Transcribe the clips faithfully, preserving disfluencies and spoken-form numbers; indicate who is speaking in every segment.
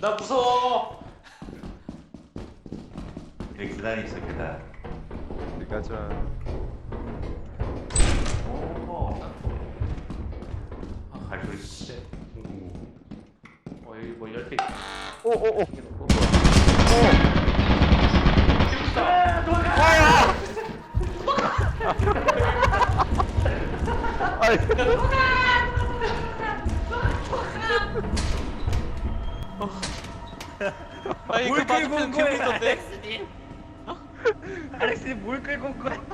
Speaker 1: 나 무서워.
Speaker 2: 여기 계단이 있어 계단.
Speaker 3: 어디 가자.
Speaker 2: 오.
Speaker 1: 아,
Speaker 2: 발소리.
Speaker 1: 씨. 어 여기 뭐 열쇠.
Speaker 3: 오오오.
Speaker 1: 생겨놓고.
Speaker 3: 아이.
Speaker 1: 아니 그 맞으면 괴물 있던데.
Speaker 2: 알렉스님 뭘 끌고 온 거야?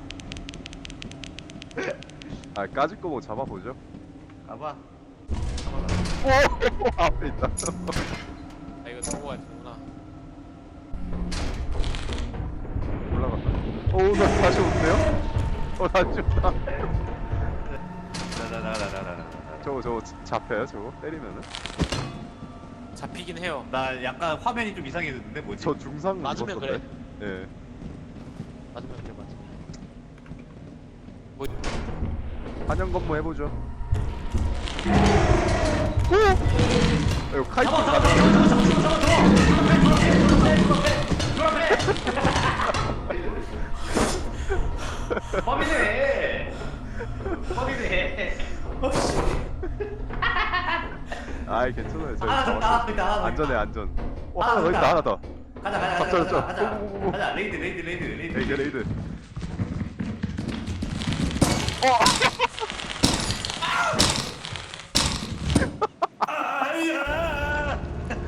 Speaker 3: 아 까짓 거뭐 잡아보죠.
Speaker 2: 가봐.
Speaker 3: 오 앞에 있다.
Speaker 1: 아 이거 타고 가야 되구나.
Speaker 3: 올라갔다. 오나 다시 온대요? 어 다시 온다.
Speaker 2: 나나나나나나.
Speaker 3: 저거 저거 잡혀요 저거 때리면은?
Speaker 1: 잡히긴 해요.
Speaker 2: 나 약간 화면이 좀 이상해졌는데 뭐지?
Speaker 3: 저 중상
Speaker 1: 맞으면
Speaker 3: 입었던데? 예.
Speaker 1: 맞으면 그래 맞아. 뭐
Speaker 3: 한영 건무 해보죠. 오! 이거 카이트 가자.
Speaker 2: 범이네. 범이네.
Speaker 3: 아이 괜찮아요. 저희
Speaker 2: 하나 더 있다, 하나 더 있다, 하나 더
Speaker 3: 안전해
Speaker 2: 있다.
Speaker 3: 안전. 어
Speaker 2: 하나
Speaker 3: 하나
Speaker 2: 더
Speaker 3: 더 있다
Speaker 2: 있다.
Speaker 3: 하나 더.
Speaker 2: 가자 가자
Speaker 3: 잡자,
Speaker 2: 가자
Speaker 3: 잡자.
Speaker 2: 가자.
Speaker 3: 오오오오.
Speaker 2: 가자 레이드 레이드 레이드 레이드.
Speaker 3: 레이드 레이드.
Speaker 2: 아야.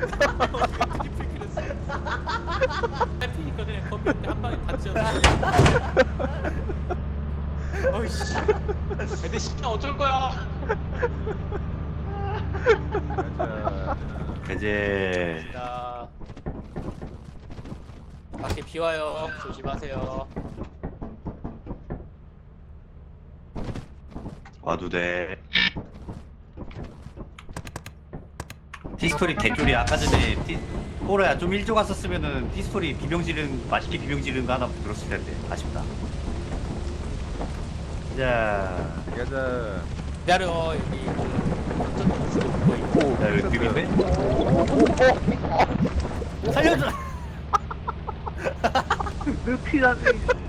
Speaker 1: 잡히니까 그냥 컴퓨터 한 방에 다 찢었어. 어이씨. 근데 진짜 어쩔 거야.
Speaker 3: 가자.
Speaker 2: 이제
Speaker 1: 자, 밖에 비 와요. 조심하세요.
Speaker 2: 와도 돼. 티스토리 개쫄이 아까 전에 티 호로야 좀 일찍 왔었으면은 티스토리 비병 지른 맛있게 비병 지른 거 하나 들었을 텐데 아쉽다. 자,
Speaker 3: 가자.
Speaker 1: 기다려 여기 그 전전 거 있고.
Speaker 3: 오.
Speaker 2: 야 여기 비병인데? 살려줘.
Speaker 4: 왜 피라니?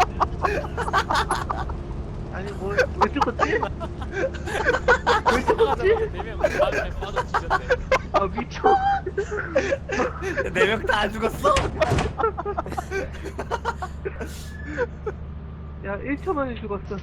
Speaker 4: 아니 뭐왜 죽었지? 왜 죽었지?
Speaker 1: 네명 바닥에 빠져 뒤졌네.
Speaker 4: 아 미쳐.
Speaker 2: 네 명 다 안 죽었어?
Speaker 4: 야 일 초 만에 죽었어.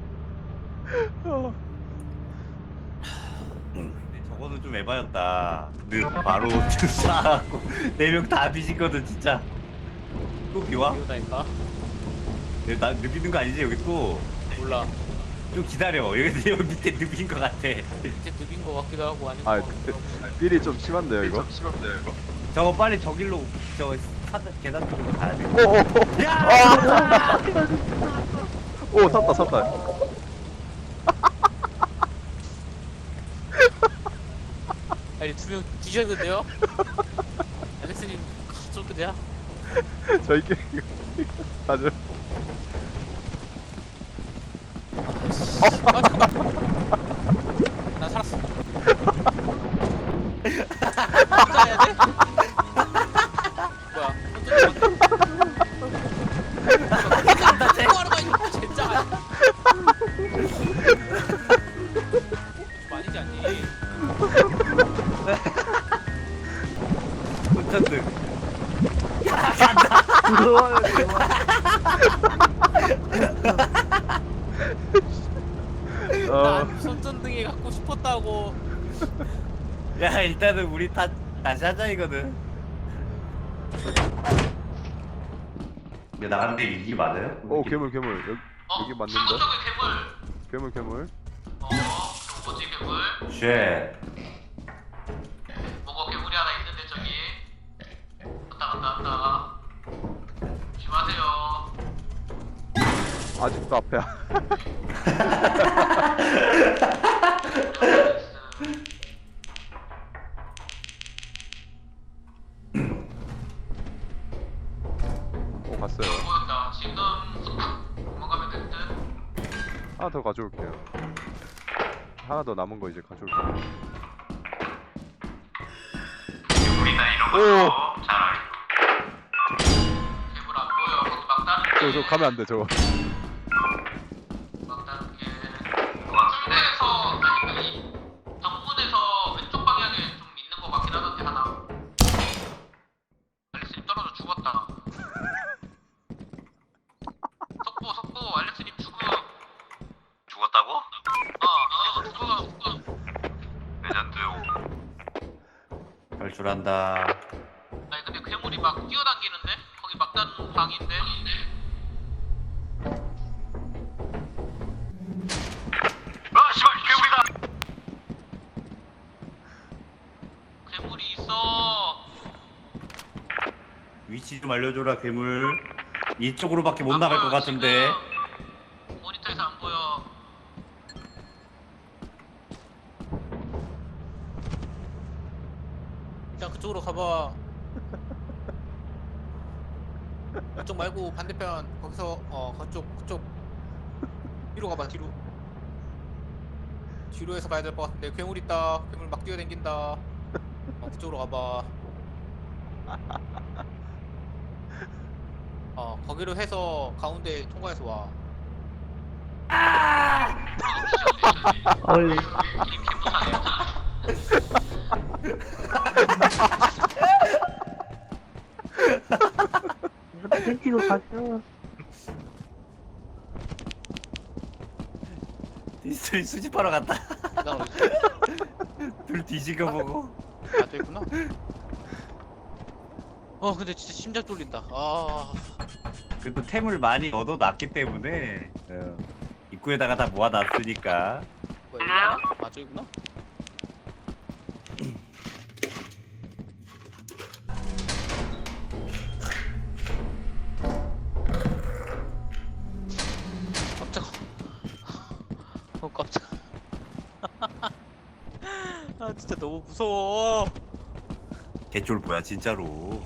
Speaker 2: 근데 저거는 좀 에바였다. 느 바로 쏴갖고 네 명 다 뒤지거든 진짜. 또 비와?
Speaker 1: 이거다니까.
Speaker 2: 나 느끼는 거 아니지 여기 또?
Speaker 1: 몰라.
Speaker 2: 좀 기다려. 여기 여기 밑에 느낀 거 같아.
Speaker 1: 이제 늙인 거 같기도 하고 아닌
Speaker 3: 아
Speaker 1: 거 같기도 하고.
Speaker 3: 삘이 좀 심한데요 이거? 심한데요 이거?
Speaker 2: 저거 빨리 저길로 저 사드 계단 쪽으로 가야 돼.
Speaker 3: 오오오.
Speaker 2: 야!
Speaker 3: 오 샀다 샀다.
Speaker 1: 아니 두 명 뒤졌는데요? 알렉스님 좀 그냥.
Speaker 3: 저희끼리 가죠.
Speaker 1: 아 잠깐만. 나 살았어. 혼자 해야 돼? 뭐야? 혼자 대구하러 다니는 진짜 아니야. 좀 아니지 않니?
Speaker 2: 혼자들.
Speaker 4: 무서워요 정말.
Speaker 3: 어.
Speaker 1: 난 손전등이 갖고 싶었다고.
Speaker 2: 야 일단은 우리 다 다시 하자 이거는. 야 나가는데 일기 많아요?
Speaker 3: 오 괴물 괴물 여기 여기 맞는데?
Speaker 1: 괴물.
Speaker 3: 괴물 괴물.
Speaker 1: 어, 뭐지 괴물?
Speaker 2: 쉣.
Speaker 1: 뭔가 괴물이 하나 있는데 저기. 왔다 갔다 왔다. 조심하세요.
Speaker 3: 아직도 앞에야. 오 갔어요.
Speaker 1: 보였다. 지금 도망가면 될 듯.
Speaker 3: 하나 더 가져올게요. 하나 더 남은 거 이제 가져올게요.
Speaker 1: 우리 나이로 이런 거
Speaker 3: 오.
Speaker 1: 잘 알고. 괴물 안 보여. 거기 막 다른 게.
Speaker 3: 저, 저 가면 안 돼, 저거.
Speaker 1: 막 다른 게. 홍대에서 아니 이 정문에서 왼쪽 방향에 좀 있는 거 같긴 하던데 하나. 알렉스님 떨어져 죽었다. 석보 석보 알렉스님 죽음. 죽었다고? 어, 어 죽어 죽어. 레전드.
Speaker 2: 결출한다.
Speaker 1: 아니 근데 괴물이 막 뛰어당기는데? 거기 막다른 방인데? 아 씨발 괴물이다! 괴물이 있어.
Speaker 2: 위치 좀 알려줘라 괴물. 이쪽으로밖에 못 나갈 것 같은데.
Speaker 1: 지금 모니터에서 안 보여.
Speaker 5: 그냥 그쪽으로 가봐. 그쪽 말고 반대편 거기서 어 그쪽 그쪽 뒤로 가봐 뒤로. 뒤로 해서 가야 될 것 같은데 괴물 있다. 괴물 막 뛰어댕긴다. 어 그쪽으로 가봐. 어 거기로 해서 가운데 통과해서 와.
Speaker 4: 어이.
Speaker 1: 이 개무사네.
Speaker 4: 펜치고 가셔.
Speaker 2: 디스토리 수집하러 갔다.
Speaker 5: 나 어디 있어?
Speaker 2: 둘 뒤지겨 보고.
Speaker 5: 아, 저 있구나. 어 근데 진짜 심장 쫄린다. 아
Speaker 2: 그래도 템을 많이 얻어놨기 때문에
Speaker 3: 예.
Speaker 2: 입구에다가 다 모아놨으니까.
Speaker 5: 뭐야 이거? 아 저기구나. 깜짝아. 어 깜짝. 아 진짜 너무 무서워.
Speaker 2: 개쫄 뭐야 진짜로.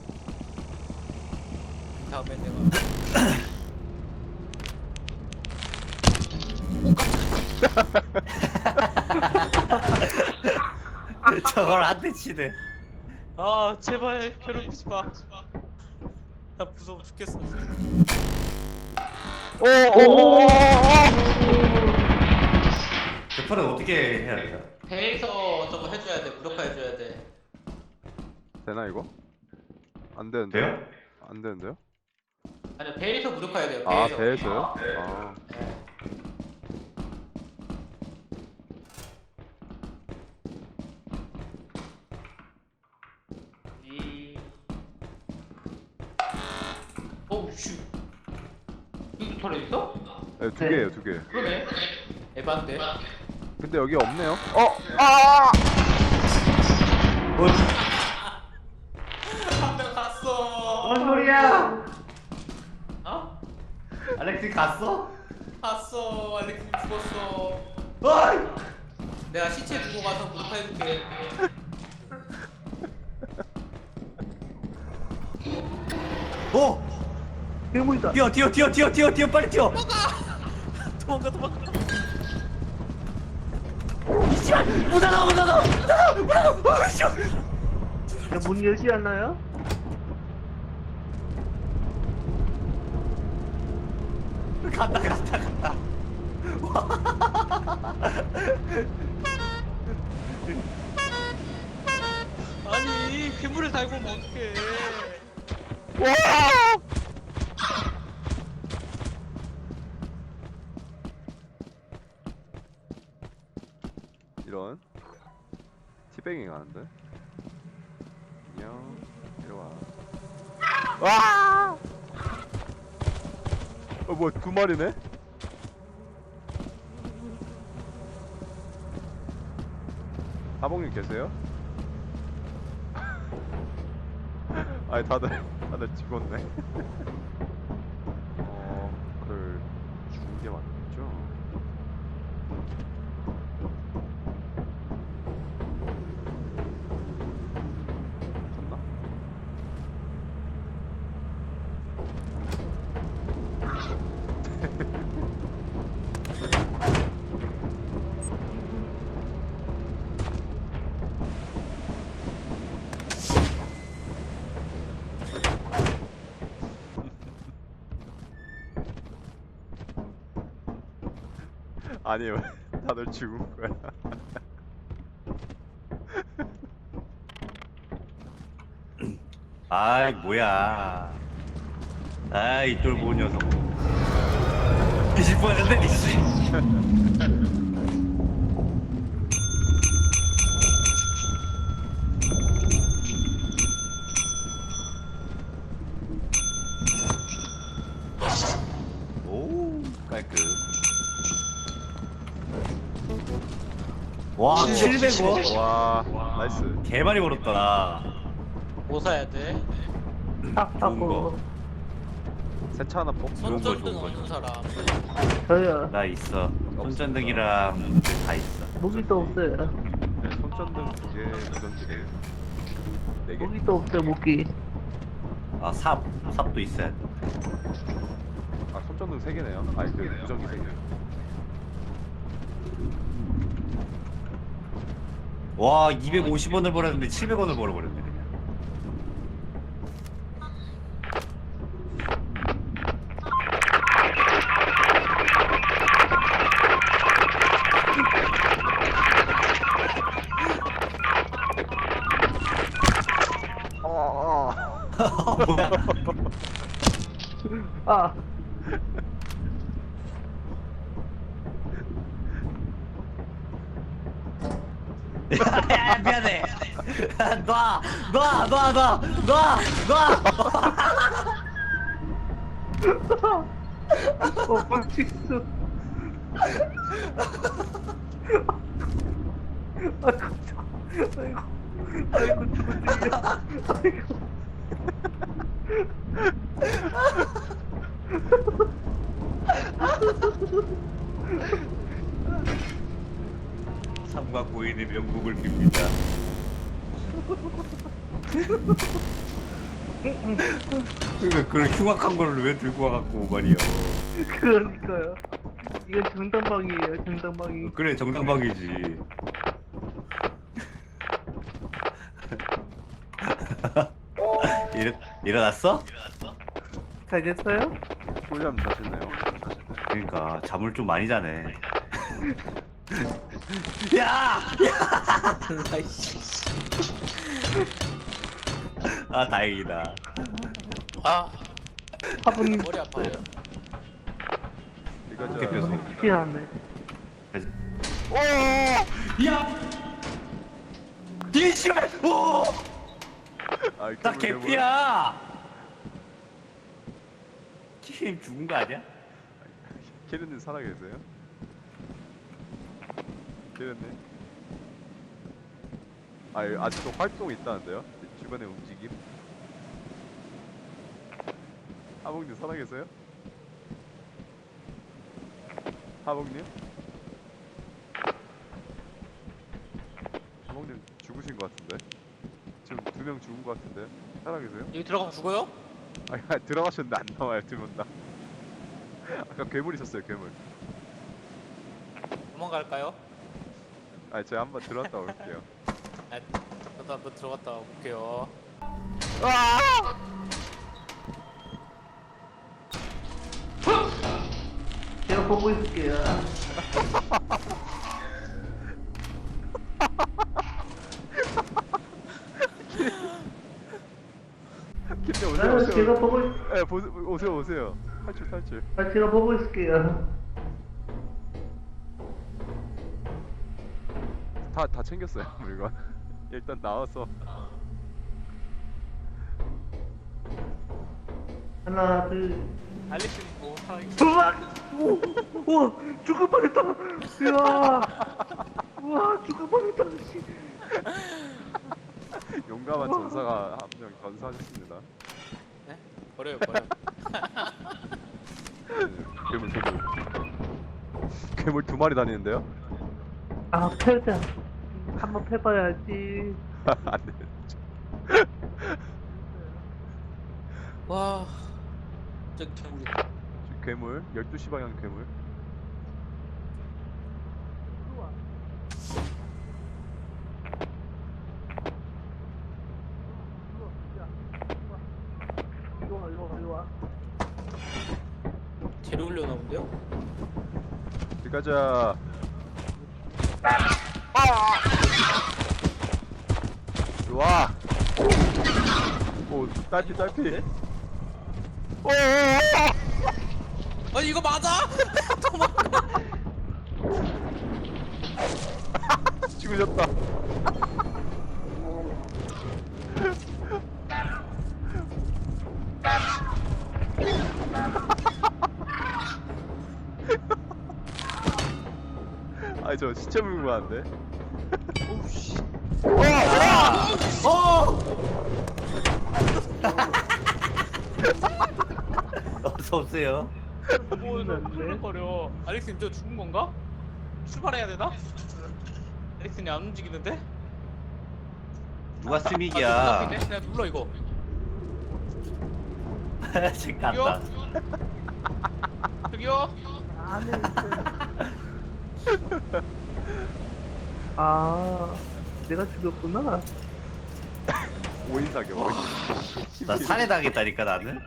Speaker 5: 다음에 내가
Speaker 2: 저걸 한 대 치네.
Speaker 5: 아 제발 괴롭히지 마. 나 무서워 죽겠어.
Speaker 3: 오오오오오!
Speaker 2: 대파는 어떻게 해야 되나?
Speaker 5: 배에서 저거 해줘야 돼. 무력화 해줘야 돼.
Speaker 3: 되나, 이거? 안 되는데요?
Speaker 2: 돼요?
Speaker 3: 안 되는데요?
Speaker 5: 아니 배에서 무력화해야 돼요.
Speaker 3: 아,
Speaker 5: 배에서.
Speaker 3: 배에서요? 아.
Speaker 5: 네. 이. 오우 슈. 여기 털에 있어?
Speaker 3: 네, 두 개예요, 두 개.
Speaker 5: 그러네. 에반데.
Speaker 3: 근데 여기 없네요? 어! 아!
Speaker 5: 한 명 갔어.
Speaker 2: 뭔 소리야?
Speaker 5: 어?
Speaker 2: 알렉스 갔어?
Speaker 5: 갔어. 알렉스 죽었어.
Speaker 2: 어이!
Speaker 5: 내가 시체 두고 가서 무력화해줄게.
Speaker 2: 어!
Speaker 4: 괴물이다.
Speaker 2: 뛰어 뛰어 뛰어 뛰어 뛰어 뛰어 빨리 뛰어!
Speaker 5: 도망가 도망가.
Speaker 2: 이씨발! 못 나가 못 나가 못 나가 못 나가! 어이씨!
Speaker 4: 야, 문 열지 않나요?
Speaker 2: 간다 간다 간다.
Speaker 5: 아니 괴물을 달고 오면 어떡해.
Speaker 3: 이런. 티뱅잉 하는데? 안녕. 이리 와. 와! 어, 뭐, 두 마리네? 하봉님 계세요? 아니, 다들, 다들 죽었네. 어, 그걸 죽은 게 맞죠? 졌나? 아니 왜 다들 죽은 거야?
Speaker 2: 아이 뭐야. 아이 쫄보 녀석. 뒤질 뻔했는데 니씨. 오 깔끔. 와 칠백 원?
Speaker 3: 와 나이스.
Speaker 2: 개 많이 벌었다 나.
Speaker 5: 뭐 사야 돼?
Speaker 4: 딱
Speaker 2: 좋은 거.
Speaker 4: 하고.
Speaker 3: 세차 하나 뽑.
Speaker 2: 좋은 거,
Speaker 5: 손전등
Speaker 2: 좋은 거.
Speaker 5: 없는 사람.
Speaker 4: 저요.
Speaker 2: 나 있어. 손전등이랑 다 있어.
Speaker 4: 무기도 없어요.
Speaker 3: 네, 손전등 두 개, 무전기 네 네 개.
Speaker 4: 무기도 없어요, 무기.
Speaker 2: 아 삽, 삽도 있어야 돼.
Speaker 3: 아 손전등 세 개네요. 아니 그 무전기 세 개.
Speaker 2: 와 이백오십 원을 벌었는데 칠백 원을 벌어버렸네 그냥.
Speaker 3: 어.
Speaker 2: 뭐야?
Speaker 4: 아,
Speaker 2: 야, 미안해. 놔, 놔, 놔, 놔, 놔, 놔.
Speaker 4: 어, 빡치수. 아, 깜짝. 아이고, 아이고, 죽었지. 아이고.
Speaker 2: 삼과 고인의 명복을 빕니다. 그러니까 그런 흉악한 거를 왜 들고 와갖고 말이야.
Speaker 4: 그러니까요. 이건 정당방이에요, 정당방이.
Speaker 2: 그래 정당방이지. 일어 일어났어?
Speaker 4: 잘 됐어요?
Speaker 3: 꿀잠 자셨네요.
Speaker 2: 그러니까 잠을 좀 많이 자네. 야!
Speaker 5: 아이씨.
Speaker 2: 아 다행이다.
Speaker 5: 아
Speaker 4: 화분
Speaker 5: 머리 아파요.
Speaker 3: 이거 저
Speaker 2: 대표소.
Speaker 4: 피 났네.
Speaker 2: 야! 이씨발! 오!
Speaker 3: 아,
Speaker 2: 나
Speaker 3: 괴물, 괴물.
Speaker 2: 개피야! 키님 죽은 거 아니야?
Speaker 3: 키르님 살아계세요? 키르님? 아 아직도 활동 있다는데요? 주변에 움직임? 하복님 살아계세요? 하복님? 하복님 죽으신 것 같은데? 지금 두 명 죽은 것 같은데? 살아계세요?
Speaker 5: 여기 들어가면 죽어요?
Speaker 3: 아니 아니, 들어가셨는데 안 나와요 두 분 다. 아까 괴물 있었어요 괴물.
Speaker 5: 도망갈까요?
Speaker 3: 아 제가 한번 들어갔다 올게요.
Speaker 5: 아, 저도 한번 들어갔다 올게요.
Speaker 4: 제가 보고 있을게요.
Speaker 3: 김대 오세요
Speaker 4: 아,
Speaker 3: 오세요.
Speaker 4: 제가 보고, 있...
Speaker 3: 예, 보, 오세요 오세요. 탈출 탈출.
Speaker 4: 아, 제가 보고 있을게요.
Speaker 3: 다 다 챙겼어요 물건. 일단 나와서.
Speaker 4: 하나, 둘.
Speaker 5: 알렉스님 뭐 살아계세요?
Speaker 4: 우와! 오! 우와! 죽을 뻔했다! 이야! 우와! 죽을 뻔했다! 씨.
Speaker 3: 용감한 전사가 한 명 전사하셨습니다.
Speaker 5: 네? 버려요 버려.
Speaker 3: 괴물 괴물. 괴물 두 마리 다니는데요?
Speaker 4: 아, 패자. 한번 패봐야지.
Speaker 3: 안 돼.
Speaker 5: 와, 저기 저기.
Speaker 3: 지금 괴물 열두 시 방향 괴물.
Speaker 4: 이리 와, 이리 와, 이리 와.
Speaker 5: 재료 올려놓은데요?
Speaker 3: 들어가자. 와. 오, 딸피 딸피. 오.
Speaker 5: 아니 이거 맞아? 도망가.
Speaker 3: 죽으셨다. 아니 저 시체 물고 가는데.
Speaker 5: 오우씨.
Speaker 2: 어! 어서 오세요.
Speaker 5: 뭐 헐렁거려. 알렉스님 저 죽은 건가? 출발해야 되나? 알렉스님 안 움직이는데?
Speaker 2: 누가
Speaker 5: 아,
Speaker 2: 스믹이야?
Speaker 5: 그냥 그냥 눌러 이거.
Speaker 2: 쟤 깐다.
Speaker 5: 저기요.
Speaker 4: 안에 아, 내가 죽였구나.
Speaker 3: 오 인 사격. 오 인.
Speaker 2: 나 살해당했다니까 나는.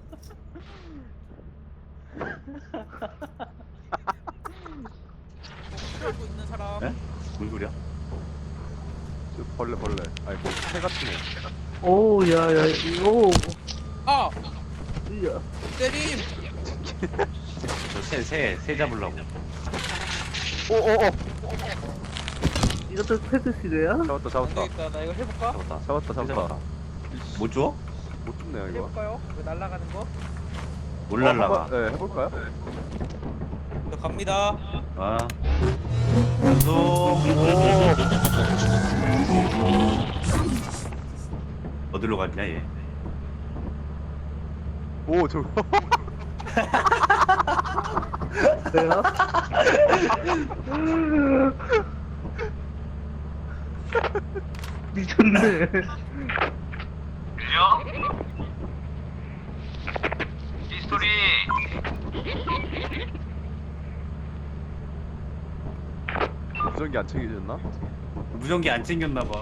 Speaker 5: 하고 있는 사람.
Speaker 2: 에? 뭔 소리야?
Speaker 3: 저 벌레 벌레. 아니 뭐새 같은 애.
Speaker 4: 오, 야, 야, 이거.
Speaker 5: 아
Speaker 4: 야.
Speaker 5: 때림.
Speaker 2: 저새새새 잡으려고.
Speaker 3: 오오오.
Speaker 4: 이것도 패드시대야?
Speaker 3: 잡았다
Speaker 5: 안
Speaker 3: 잡았다.
Speaker 5: 되겠다. 나 이거 해볼까?
Speaker 2: 잡았다.
Speaker 3: 잡았다 잡았다.
Speaker 2: 못 줘?
Speaker 3: 못 죽네요 이거.
Speaker 5: 해볼까요? 이거 날아가는 거?
Speaker 2: 뭘
Speaker 3: 어,
Speaker 2: 날라가?
Speaker 3: 한번, 네 해볼까요?
Speaker 5: 저 갑니다.
Speaker 2: 아. 연속. 어디로 갔냐 얘?
Speaker 3: 오 저거.
Speaker 4: 내가? 미쳤네.
Speaker 1: 들려? 히스토리.
Speaker 3: 무전기 안 챙겨졌나?
Speaker 2: 무전기 안 챙겼나 봐.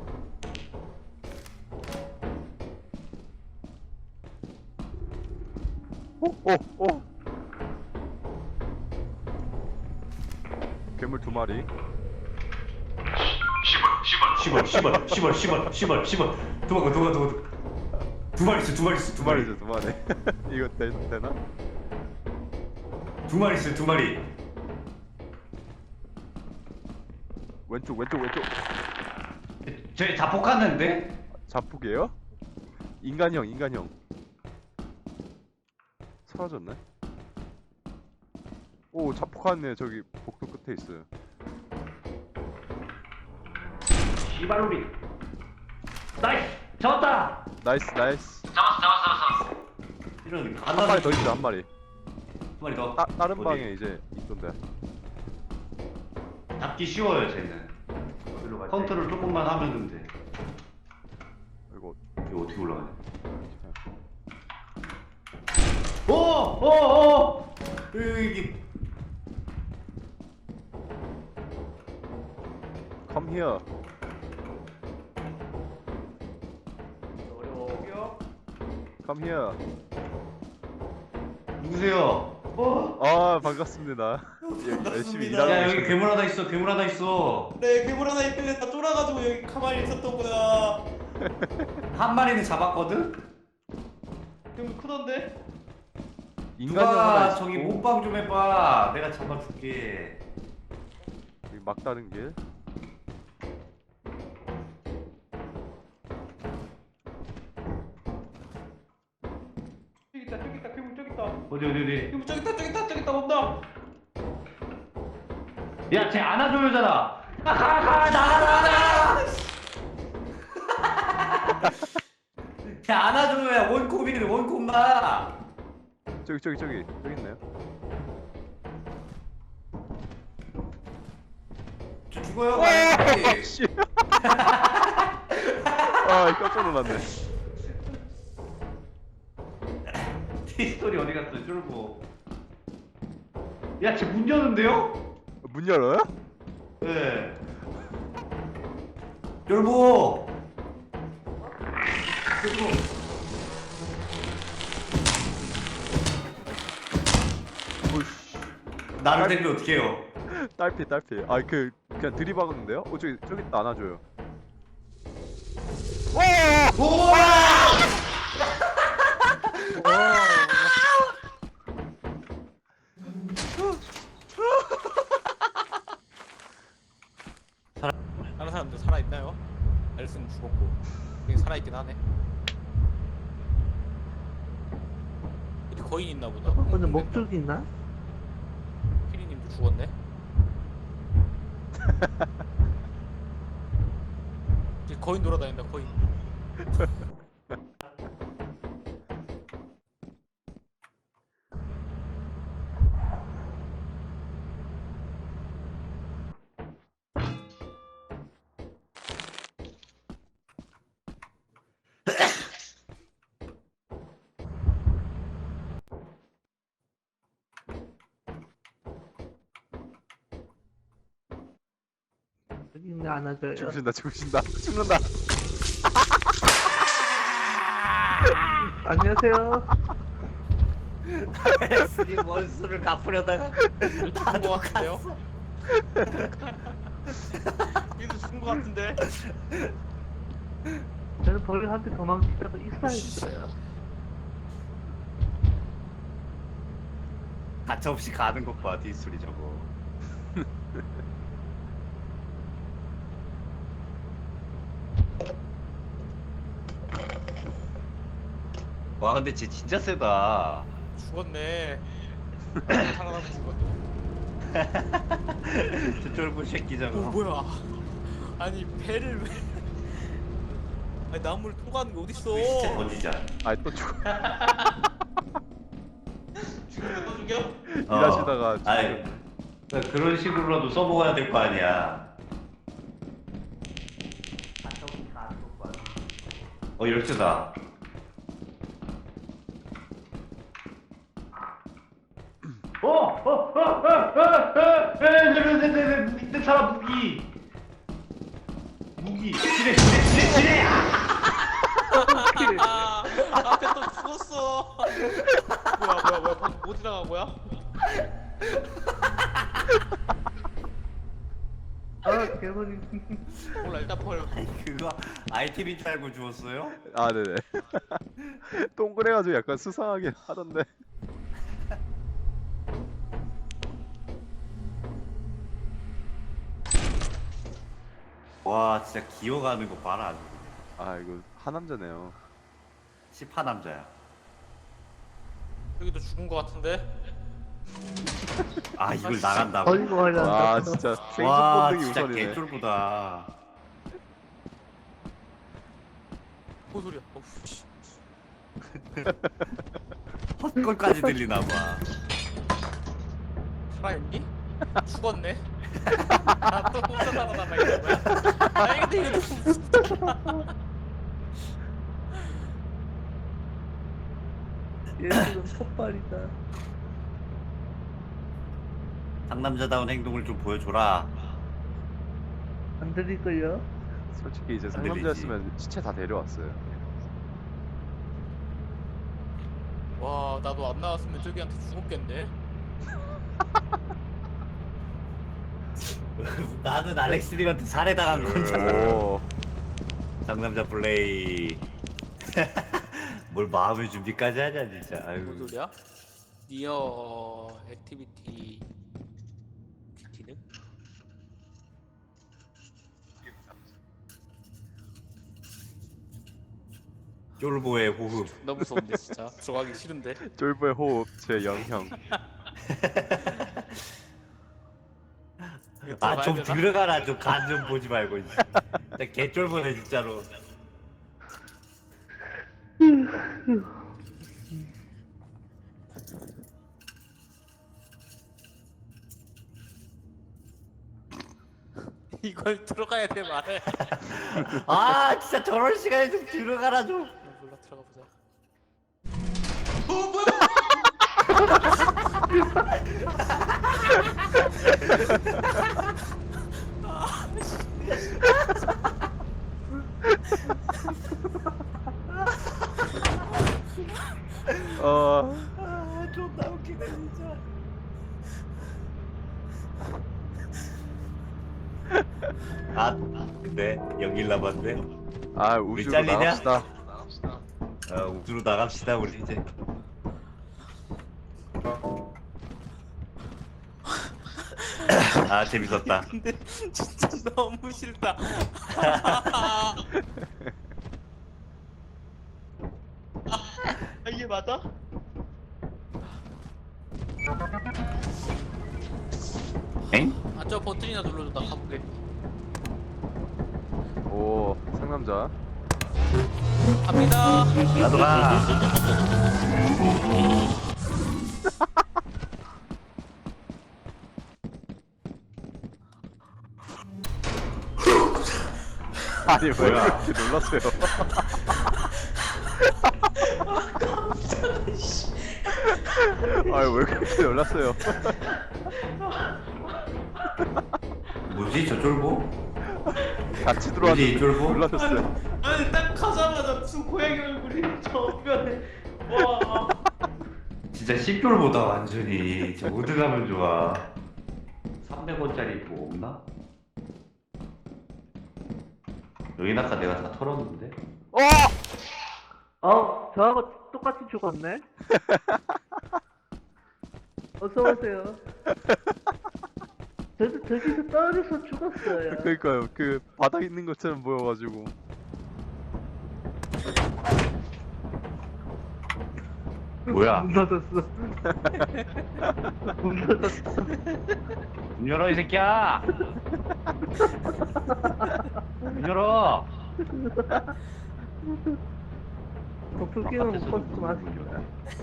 Speaker 3: 오오 오. 괴물 두 마리.
Speaker 2: 시벌 시벌 시벌 시벌 시벌 시벌 도망가 도망가 도망가. 두 마리 있어 두 마리 있어
Speaker 3: 두 마리죠 두 마리. 이거 되, 되나?
Speaker 2: 두 마리 있어 두 마리.
Speaker 3: 왼쪽 왼쪽 왼쪽.
Speaker 2: 쟤 자폭하는데?
Speaker 3: 자폭이에요? 인간형 인간형. 사라졌네. 오 자폭하네. 저기 복도 끝에 있어요.
Speaker 2: 시발로리. 나이스 잡았다.
Speaker 3: 나이스 나이스.
Speaker 1: 잡았어 잡았어 잡았어.
Speaker 2: 이런
Speaker 3: 한 마리 더 있어 한 마리.
Speaker 2: 두 마리 더.
Speaker 3: 따, 다른
Speaker 2: 어디?
Speaker 3: 방에 이제 있던데.
Speaker 2: 잡기 쉬워요 쟤는. 컨트롤 조금만 하면은 돼.
Speaker 3: 이거
Speaker 2: 이거 어떻게 올라가냐? 오! 오! 오! 여기
Speaker 3: come here.
Speaker 5: 저기요.
Speaker 3: come here.
Speaker 2: 누구세요? 어?
Speaker 3: 아 반갑습니다. 예, 열심히 일하고
Speaker 2: 야 여기
Speaker 3: 계십니다.
Speaker 2: 괴물 하나 있어 괴물 하나 있어.
Speaker 5: 네 괴물 하나 있길래 다 쫄아가지고 여기 가만히 있었던 거야.
Speaker 2: 한 마리는 잡았거든?
Speaker 5: 괴물 크던데?
Speaker 3: 인간형 하나
Speaker 2: 누가
Speaker 3: 있고
Speaker 2: 저기 몸빵 좀 해봐. 내가 잡아줄게.
Speaker 3: 여기 막다른 길.
Speaker 5: 저기 있다 저기 있다 괴물 저기 있다.
Speaker 2: 어디 어디 어디.
Speaker 5: 괴물 저기 있다 저기 있다 저기 있다 온다.
Speaker 2: 야 쟤 안아줘요잖아. 가가 나가 나가. 쟤 안아줘야 원콤이래 원콤마.
Speaker 3: 저기 저기 저기 저기 있네요.
Speaker 2: 저 죽어요.
Speaker 3: 와, 씨. 아 깜짝 놀랐네.
Speaker 2: 티스토리 어디 갔어 쫄고. 야 쟤 문 여는데요?
Speaker 3: 문 열어요?
Speaker 2: 네. 쫄보. 쫄보.
Speaker 3: 오이씨.
Speaker 2: 나를 데리면 어떡해요?
Speaker 3: 딸피 딸피. 아 그 그냥 들이박았는데요? 어 저기 저기 있다 안아줘요.
Speaker 5: 다른 사람들 살아있나요? 알렉스는 죽었고 여기 살아있긴 하네. 어디 거인 있나 보다.
Speaker 4: 오늘 목줄기 있나?
Speaker 5: 피리님도 죽었네. 이제 거인 돌아다닌다 거인.
Speaker 4: 여기 있네, 안아줘요.
Speaker 3: 죽으신다 죽으신다 죽는다.
Speaker 4: 안녕하세요.
Speaker 2: 알렉스님 원수를 갚으려다가
Speaker 5: 죽은 거 같은데요? 얘도 죽은 거 같은데?
Speaker 4: 저는 벌한테 도망치다가 익사했어요.
Speaker 2: 가차없이 가는 것 봐, 뒷소리 저거. 와, 근데 쟤 진짜 세다.
Speaker 5: 죽었네. 살아남은 죽었네.
Speaker 2: 저 쫄보 새끼 저거.
Speaker 5: 어 뭐야? 아니 배를 왜? 아니 나무를 토가는 게 어딨어?
Speaker 2: 시체 던지자.
Speaker 3: 아또 죽어.
Speaker 5: 죽으면 또 죽여?
Speaker 3: 일하시다가
Speaker 2: 어. 아이, 그러니까 그런 식으로라도 써먹어야 될 거 아니야. 어, 열쇠다. 어! 어! 어! 어! 어! 어! 에! 밑에 사람 무기! 무기! 지뢰! 지뢰! 지뢰! 지뢰!
Speaker 5: 아, 앞에 또 죽었어. 뭐야 뭐야 뭐야 방금 뭐 지나간 거야?
Speaker 4: 아, 개머리.
Speaker 5: 몰라 일단 버려.
Speaker 2: 그거 아이템인 줄 알고 주웠어요?
Speaker 3: 아 네네. 동그래가지고 약간 수상하게 하던데.
Speaker 2: 와, 진짜 기어가는 거 봐라. 아주.
Speaker 3: 아 이거 하남자네요.
Speaker 2: 시파 남자야.
Speaker 5: 여기도 죽은 거 같은데?
Speaker 2: 아, 이걸 나간다고?
Speaker 4: 버리고 하려고.
Speaker 3: 와 진짜
Speaker 2: 와,
Speaker 3: 생존 본능이
Speaker 2: 진짜
Speaker 3: 우선이네.
Speaker 2: 개쫄보다.
Speaker 5: 뭔 소리야? 어우 씨.
Speaker 2: 헛걸까지 들리나 봐.
Speaker 5: 살아있니? 죽었네? 나또 혼자 살아남아 있는 거야? 아니 근데 이거 너무
Speaker 4: 얘들은 폭발이다.
Speaker 2: 상남자다운 행동을 좀 보여줘라.
Speaker 4: 안 들릴걸요?
Speaker 3: 솔직히 이제
Speaker 2: 안
Speaker 3: 상남자였으면 시체 다 데려왔어요.
Speaker 5: 와 나도 안 나왔으면 저기한테 죽었겠네?
Speaker 2: 나는 알렉스님한테 살해당한 거잖아.
Speaker 3: 오.
Speaker 2: 상남자 플레이. 뭘 마음의 준비까지 하냐 진짜.
Speaker 5: 뭔
Speaker 2: 아유.
Speaker 5: 소리야? 니어 액티비티 기능?
Speaker 2: 쫄보의 호흡.
Speaker 5: 너무 무서운데 진짜 들어가기 싫은데.
Speaker 3: 쫄보의 호흡 제 영형.
Speaker 2: 아 좀
Speaker 5: 들어가야 되나?
Speaker 2: 들어가라. 좀 간 좀 보지 말고. 진짜 개쫄보네 진짜로.
Speaker 5: 이걸 들어가야 돼 말해.
Speaker 2: 아 진짜 저런 시간에 좀 들어가라 좀.
Speaker 5: 몰라 들어가 보자.
Speaker 3: 어.
Speaker 2: 아 존나 웃기네 진짜. 아 근데 연길 남았네.
Speaker 3: 아
Speaker 2: 우리
Speaker 3: 우주로
Speaker 2: 잘리냐?
Speaker 3: 나갑시다.
Speaker 2: 어, 우주로 나갑시다 우리 이제. 아 재밌었다.
Speaker 5: 근데 진짜 너무 싫다. 아, 이게 맞아?
Speaker 2: 엥?
Speaker 5: 아, 저 버튼이나 눌러줘. 나 가볼게.
Speaker 3: 오 상남자.
Speaker 5: 갑니다.
Speaker 2: 나도 가.
Speaker 3: 아니 왜
Speaker 2: 뭐야?
Speaker 3: 이렇게 놀랐어요? 아니 왜 그렇게 놀랐어요?
Speaker 2: 뭐지 저 쫄보?
Speaker 3: 같이
Speaker 2: 뭐지
Speaker 3: 들어왔는데
Speaker 2: 이 쫄보?
Speaker 3: 놀라셨어요.
Speaker 5: 아니, 딱 가자마자 무슨 고양이 얼굴이 정면에. 와.
Speaker 2: 진짜 씹쫄보다 완전히. 저 어디 가면 좋아. 삼백 원짜리 뭐 없나? 여긴 아까 내가 다 털었는데.
Speaker 3: 어!
Speaker 4: 어, 저하고 똑같이 죽었네. 어서 오세요. 저도 저기서 떨어져서 죽었어요.
Speaker 3: 그러니까요. 그 바닥 있는 것처럼 보여가지고.
Speaker 2: 뭐야?
Speaker 4: 문 닫았어. 문 닫았어.
Speaker 2: 문 열어 이 새끼야. 문 열어.
Speaker 4: 도플갱을 못 봤으면 아쉽다.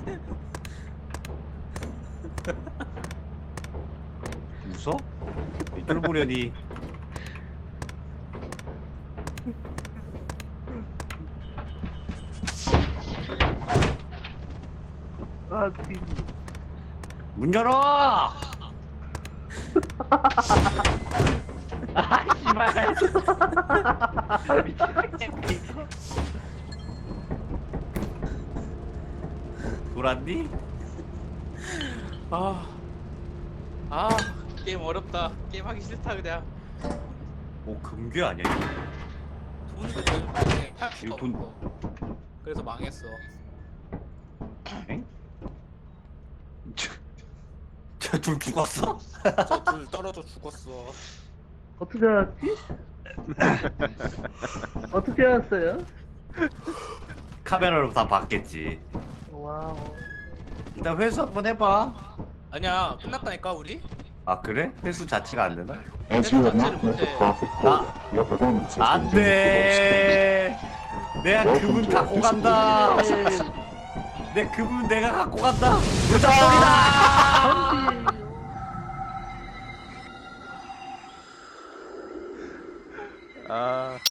Speaker 2: 웃어? 이 쫄보려니.
Speaker 4: 아, 진.
Speaker 2: 문 열어. 아 씨발. 돌았니?
Speaker 5: 아. 아, 게임 어렵다. 게임 하기 싫다, 그냥.
Speaker 2: 오 금괴 아니야 이거?
Speaker 5: 돈을 그냥 팔 수가
Speaker 2: 이거 돈-
Speaker 5: 없어. 그래서 망했어.
Speaker 2: 엥? 저 둘 죽었어?
Speaker 5: 저 둘 떨어져 죽었어.
Speaker 4: 어떻게 알았지? 어떻게 알았어요?
Speaker 2: 카메라로 다 봤겠지.
Speaker 4: 와우.
Speaker 2: 일단 회수 한번 해봐.
Speaker 5: 아니야, 끝났다니까, 우리?
Speaker 2: 아 그래? 회수 자체가 안 되나?
Speaker 6: As you have
Speaker 5: 자체를
Speaker 6: not met the
Speaker 5: 못해.
Speaker 6: profit quota, your performance has been
Speaker 2: 안돼. 내가
Speaker 6: Welcome
Speaker 2: 그분
Speaker 6: to
Speaker 2: 갖고
Speaker 6: our
Speaker 2: 간다.
Speaker 6: disciplinary
Speaker 2: 내 그분 내가 갖고 간다. 무작정이다.
Speaker 3: 아